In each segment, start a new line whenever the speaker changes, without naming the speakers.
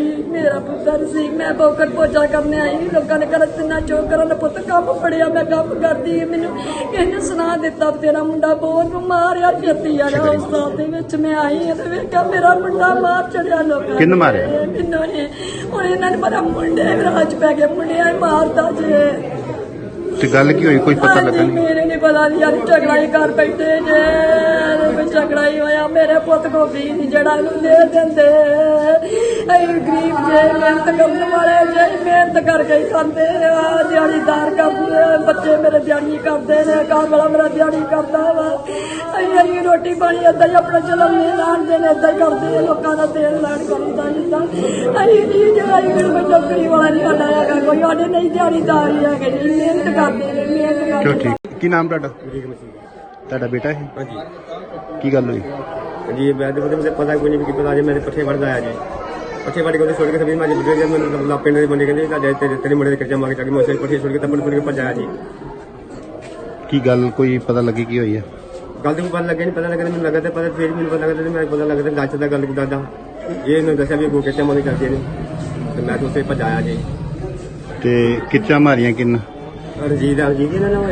ਸੀ, ਮੇਰਾ ਪੁੱਤਰ ਸੀ। ਮੈਂ ਬੋਕਰ ਪੋਚਾ ਕਰਨੇ ਆਈ, ਲੋਕਾਂ ਨੇ ਘਰ ਤਿੰਨਾ ਚੋਕ ਕਰਨ ਪੁੱਤ ਕੰਮ ਫੜਿਆ, ਮੈਂ ਕੰਮ ਕਰਦੀ। ਮੈਨੂੰ ਇਹਨੇ ਸੁਣਾ ਦਿੱਤਾ ਤੇਰਾ ਮੁੰਡਾ ਬਹੁਤ ਮਾਰਿਆ, ਛੇਤੀ ਆ ਜਾ। ਹਸਪਤਾਲ ਦੇ ਵਿੱਚ ਮੈਂ ਆਈ ਹਾਂ ਤੇ ਵੇਖਿਆ ਮੇਰਾ ਮੁੰਡਾ ਮਾਰ ਚੜਿਆ ਲੋਕਾਂ ਨੇ।
ਕਿਹਨੇ ਮਾਰਿਆ?
ਮੈਨੂੰ ਨੇ। ਹੁਣ ਇਹਨਾਂ ਨੇ ਪਤਾ ਮੁੰਡੇ ਰਾਜ ਪੈ ਗਏ, ਮੁੰਡਿਆਂ ਹੀ ਮਾਰਦਾ ਜੇ।
ਤੇ ਗੱਲ ਕੀ ਹੋਈ, ਕੋਈ ਪਤਾ ਲੱਗਾ ਨਹੀਂ?
ਮੇਰੇ ਨਹੀਂ ਪਤਾ ਯਾਰ, ਝਗੜਾ ਹੀ ਕਰ ਬੈਠੇ ਜੇ, ਝਗੜਾ ਹੀ ਹੋਇਆ। ਮੇਰੇ ਪੁੱਤ ਕੋ ਵੀ ਨਹੀਂ ਜਿਹੜਾ ਇਹਨੂੰ ਦੇ ਦਿੰਦੇ। ਅਸੀਂ ਗਰੀਬ ਜੇ, ਮਿਹਨਤ ਕਰਨ ਵਾਲੇ ਜੇ, ਮਿਹਨਤ ਕਰਕੇ ਹੀ ਖਾਂਦੇ ਆ, ਦਿਹਾੜੀਦਾਰ ਕਰਦੇ। ਬੱਚੇ ਮੇਰੇ ਦਿਹਾੜੀ ਕਰਦੇ ਨੇ, ਘਰ ਵਾਲਾ ਮੇਰਾ ਦਿਹਾੜੀ ਕਰਦਾ ਵਾ। ਅਸੀਂ ਰੋਟੀ ਪਾਣੀ ਏਦਾਂ ਹੀ ਆਪਣਾ ਜਨਮ ਨਹੀਂ ਲਾਣਦੇ ਨੇ, ਏਦਾਂ ਹੀ ਕਰਦੇ ਲੋਕਾਂ ਦਾ ਤੇਲ ਲਾਣ ਕਰੀਦਾ ਜਿੱਦਾਂ। ਅਸੀਂ ਨਹੀਂ ਜਿਹੜਾ ਕੋਈ ਨੌਕਰੀ ਵਾਲਾ ਨਹੀਂ ਸਾਡਾ ਹੈਗਾ, ਕੋਈ ਸਾਡੇ ਨਹੀਂ ਦਿਹਾੜੀਦਾਰ ਹੀ ਹੈਗੇ ਜੀ, ਮਿਹਨਤ ਕਰਦੇ ਨੇ, ਮਿਹਨਤ
ਚਲੋ
ਕਰਦੇ।
ਠੀਕ। ਕੀ ਨਾਮ ਤੁਹਾਡਾ? ਤੁਹਾਡਾ ਬੇਟਾ ਹੈ?
ਹਾਂਜੀ
ਕੀ ਗੱਲ ਹੋਈ?
जी मैं तो मुझे पता कोई नहीं कि पता जी मेरे पट्ठे बढ़ गया जी पट्ठे बढ़ के छोड़ के सभी मैं बिगड़ गया। मैं पिंड के बंदे कहते तेरे मुंडे खर्चा मांगे जाके मैं पट्ठे छोड़ के तब छोड़ के भजाया जी।
ਕੀ ਗੱਲ ਕੋਈ ਪਤਾ ਲੱਗੀ ਕੀ ਹੋਈ ਹੈ?
गल तो पता लगे नहीं, पता लगे मैंने लगा पता फिर मैंने पता लगा मैं पता लगा दस का गल दादा ये इन्होंने दसा भी अगो खर्चा मांगे करते हैं तो मैं तो उसे भजाया जी।
ਤੇ ਕਿੱਚਾ ਮਾਰੀਆਂ ਕਿੰਨ?
रंजीत रंजीत ना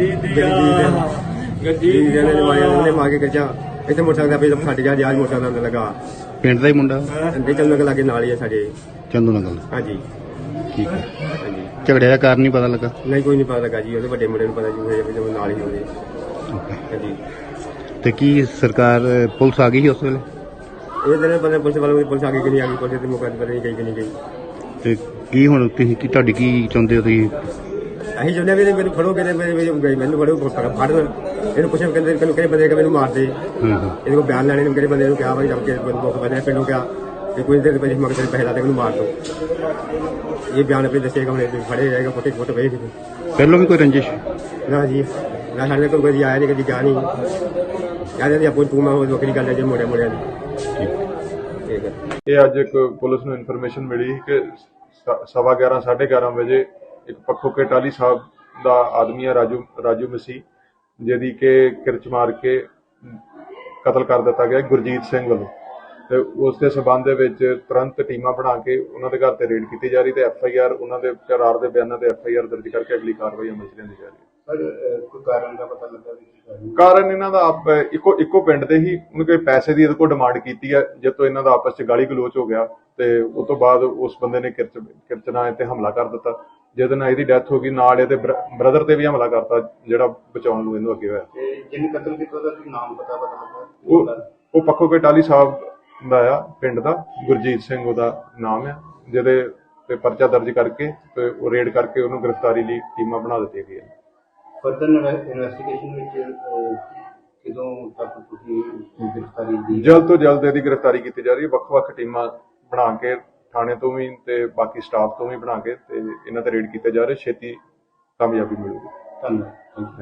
गड्डी ने मार के खर्चा इतने मोटरसाइकिल पे फट गया जी। आज मोटरसाइकिल लगा
ਪਿੰਡ ਦਾ ਹੀ ਮੁੰਡਾ?
चंदू के लागे नाल ही है साढ़े।
ਚੰਦੂ ਨਗਲ?
हाँ जी
ਠੀਕ ਹੈ।
हाँ जी
ਝਗੜੇ ਦਾ ਕਾਰਨ ਨਹੀਂ ਪਤਾ ਲੱਗਾ?
नहीं कोई नहीं पता लगा जी, वो बड़े मुंडे पता जी नाल ही होने।
ਓਕੇ।
हाँ जी
ਤੇ ਕੀ ਸਰਕਾਰ ਪੁਲਿਸ ਆ ਗਈ ਸੀ ਉਸ ਵੇਲੇ?
ये दिन पता पुलिस वालों पुलिस आगे कि नहीं आ गई, पुलिस के मौके पर नहीं गई कि नहीं गई।
ਤੇ ਕੀ ਹੁਣ ਤੁਸੀਂ ਕੀ ਤੁਹਾਡੀ ਕੀ ਚਾਹੁੰਦੇ ਹੋ ਤੁਸੀਂ?
ਅਸੀਂ ਚਾਹੁੰਦੇ ਵੀ ਮੈਨੂੰ ਫੜੋ ਕਹਿੰਦੇ ਮੈਨੂੰ ਫੜੋ ਫੜਨ ਇਹਨੂੰ ਪੁੱਛਿਆ ਕਹਿੰਦੇ ਕਿਹੜੇ ਬੰਦੇ ਕਿ ਮੈਨੂੰ ਮਾਰ ਦੇ।
ਹਾਂ ਹਾਂ।
ਇਹਦੇ ਕੋਲ ਬਿਆਨ ਲੈਣੇ ਨੂੰ ਕਿਹੜੇ ਬੰਦੇ ਨੂੰ ਕਿਹਾ ਭਾਈ ਜਦ ਕੇ ਮੁੱਖ ਬੰਦੇ ਪਿੰਡੋਂ ਕਿਹਾ ਕਿ ਕੋਈ ਦੇਰ ਪਹਿਲੇ ਮਗਰ ਪੈਸੇ ਲਾ ਦੇ ਮੈਨੂੰ ਮਾਰ ਦੋ। ਇਹ ਬਿਆਨ ਆਪੇ ਦੱਸੇਗਾ, ਹੁਣ ਫੜੇ ਜਾਏਗਾ, ਫੋਟੇ ਫੋਟੋ ਵੇਖ
ਪਹਿਲੋਂ ਵੀ ਕੋਈ ਰੰਜਿਸ਼?
ਨਾ ਜੀ ਨਾ ਸਾਡੇ ਕੋਲ ਕੋਈ ਆਇਆ ਨਹੀਂ, ਕਦੀ ਗਿਆ ਨਹੀਂ। ਕਹਿੰਦੇ ਜੀ ਆਪੋ ਤੂੰ ਮੈਂ ਵੱਖਰੀ ਗੱਲ ਹੈ ਜੇ ਮੋੜਿਆਂ ਮੋੜਿਆਂ ਦੀ। ਠੀਕ ਹੈ।
ਇਹ ਅੱਜ ਇੱਕ ਪੁਲਿਸ ਨੂੰ ਇਨਫੋਰਮੇਸ਼ਨ ਮਿਲੀ ਕਿ 11:15 11:30 ਵਜੇ ਇੱਕ ਪੱਖੋ ਕੇ ਟਾਲੀ ਸਾਹਿਬ ਦਾ ਆਦਮੀ ਹੈ ਰਾਜੂ ਮਸੀਹ, ਜਿਹਦੀ ਕਿ ਕਿਰਚ ਮਾਰ ਕੇ ਕਤਲ ਕਰ ਦਿੱਤਾ ਗਿਆ ਗੁਰਜੀਤ ਸਿੰਘ ਵੱਲੋਂ। ਤੇ ਉਸ ਦੇ ਸਬੰਧ ਦੇ ਵਿੱਚ ਤੁਰੰਤ ਟੀਮਾਂ ਬਣਾ ਕੇ ਉਹਨਾਂ ਦੇ ਘਰ ਤੇ ਰੇਡ ਕੀਤੀ ਜਾ ਰਹੀ ਤੇ FIR ਉਹਨਾਂ ਦੇ ਕਰਾਰ ਦੇ ਬਿਆਨਾਂ ਤੇ FIR ਦਰਜ ਕਰਕੇ ਅਗਲੀ ਕਾਰਵਾਈ ਅਮਲ ਚ ਲਿਆਂਦੀ ਜਾ ਰਹੀ ਹੈ।
ਕੋਈ ਕਾਰਨ ਦਾ ਪਤਾ ਲੱਗਾ ਵੀ
ਕਾਰਨ ਇਹਨਾਂ ਦਾ ਇੱਕੋ ਪਿੰਡ ਦੇ ਹੀ ਉਹਨੇ ਕੋਈ ਪੈਸੇ ਦੀ ਇਹਦੇ ਕੋਲ ਡਿਮਾਂਡ ਕੀਤੀ ਹੈ, ਜਦ ਤੋਂ ਇਹਨਾਂ ਦਾ ਆਪਸ ਚ ਗਾਲੀ ਗਲੋਚ ਹੋ ਗਿਆ ਤੇ ਉਸ ਤੋਂ ਬਾਅਦ ਉਸ ਬੰਦੇ ਨੇ ਕਿਰਚਨਾ ਤੇ ਹਮਲਾ ਕਰ ਦਿੱਤਾ, ਜਿਹਦੇ ਨਾਲ ਇਹਦੀ ਡੈਥ ਹੋ ਗਈ। ਨਾਲ ਇਹਦੇ ਬ੍ਰਦਰ ਤੇ ਵੀ ਹਮਲਾ ਕਰਤਾ ਜਿਹੜਾ ਬਚਾਉਣ ਨੂੰ ਇਹਨੂੰ ਅੱਗੇ ਹੋਇਆ।
ਜਿਹਨੇ ਕਤਲ ਕੀਤਾ ਉਹਦਾ ਨਾਮ ਪਤਾ ਲੱਗਾ?
ਉਹ ਪੱਖੋ ਕੇ ਟਾਲੀ ਸਾਹਿਬ ਦਾ ਆ, ਪਿੰਡ ਦਾ ਗੁਰਜੀਤ ਸਿੰਘ ਉਹਦਾ ਨਾਮ ਆ, ਜਿਹਦੇ ਤੇ ਪਰਚਾ ਦਰਜ ਕਰਕੇ ਤੇ ਉਹ ਰੇਡ ਕਰਕੇ ਉਹਨੂੰ ਗ੍ਰਿਫਤਾਰੀ ਲਈ ਟੀਮਾਂ ਬਣਾ ਦਿੱਤੀਆਂ ਗਈਆਂ।
ਫਰਦਰ ਇਨਵੈਸਟੀਗੇਸ਼ਨ ਵਿੱਚ ਕਿਦੋਂ ਤੱਕ ਤੁਸੀਂ ਗ੍ਰਿਫਤਾਰੀ ਦੀ?
ਜਲਦ ਤੋਂ ਜਲਦ ਇਹਦੀ ਗ੍ਰਿਫਤਾਰੀ ਕੀਤੀ ਜਾ ਰਹੀ ਹੈ। ਵੱਖ-ਵੱਖ ਟੀਮਾਂ ਬਣਾ ਕੇ ਥਾਣੇ ਤੋਂ ਵੀ ਤੇ ਬਾਕੀ ਸਟਾਫ ਤੋਂ ਵੀ ਬਣਾ ਕੇ ਤੇ ਇਹਨਾਂ ਤੇ ਰੇਡ ਕੀਤੇ ਜਾ ਰਹੇ, ਛੇਤੀ ਕਾਮਯਾਬੀ ਮਿਲੂਗੀ।
ਧੰਨਵਾਦ।